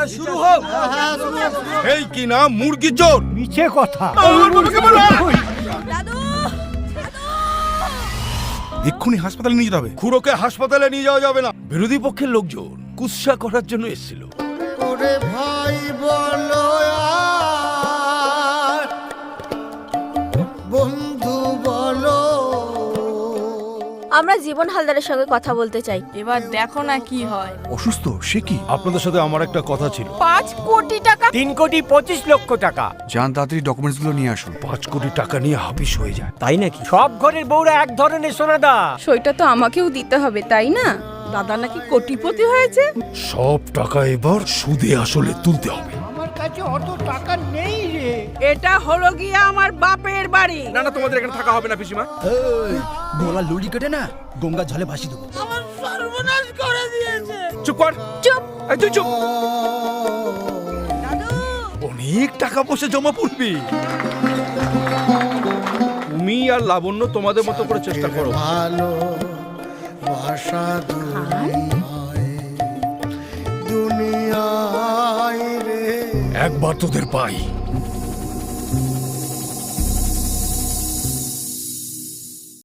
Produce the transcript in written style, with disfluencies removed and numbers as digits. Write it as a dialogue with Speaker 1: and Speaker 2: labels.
Speaker 1: শুরু হোক।
Speaker 2: এই কি না মুরগি চোর।
Speaker 1: মিছে কথা।
Speaker 2: এক্ষুনি হাসপাতালে নিয়ে যেতে হবে। খুড়োকে হাসপাতালে নিয়ে যাওয়া যাবে না, বিরোধী পক্ষের লোকজন কুৎসা করার জন্য এসেছিল।
Speaker 3: ওরে ভাই বলো আর বন্ধু বলো।
Speaker 4: আমরা জীবন হালদারের সঙ্গে কথা বলতে চাই।
Speaker 5: এবার দেখো না কি হয়।
Speaker 2: অসুস্থ সে কি? আপনাদের সাথে আমার একটা কথা ছিল।
Speaker 5: 5 কোটি টাকা।
Speaker 1: 3,25,00,000 টাকা।
Speaker 6: যান তাড়াতাড়ি ডকুমেন্টসগুলো নিয়ে আসুন।
Speaker 2: 5 কোটি টাকা নিয়ে হাফিস হয়ে যায়।
Speaker 1: তাই নাকি? সব ঘরের বউরা এক ধরনের সোনাদা।
Speaker 5: সইটা তো আমাকেও দিতে হবে তাই না? দাদা নাকি কোটিপতি হয়েছে।
Speaker 2: সব টাকা এবার সুদে আসলে তুলতে হবে।
Speaker 1: আমার কাছে অত টাকা নেই রে।
Speaker 5: এটা হলো গিয়ে আমার বাপের বাড়ি।
Speaker 7: না না, তোমাদের এখানে থাকা হবে না পিসিমা।
Speaker 3: গোলা লুড়ি কেটে না গঙ্গা জলে ভাসি দেবো।
Speaker 5: আমার সর্বনাশ করে দিয়েছে।
Speaker 7: চুপ কর।
Speaker 5: চুপ।
Speaker 7: এই তুই চুপ।
Speaker 2: অনেক টাকা পয়সা জমা পড়বে। তুমি আর লাবণ্য তোমাদের মতো করে চেষ্টা করো।
Speaker 3: ভালো বাসা দুনিয়ায় রে।
Speaker 2: একবার তোদের পাই,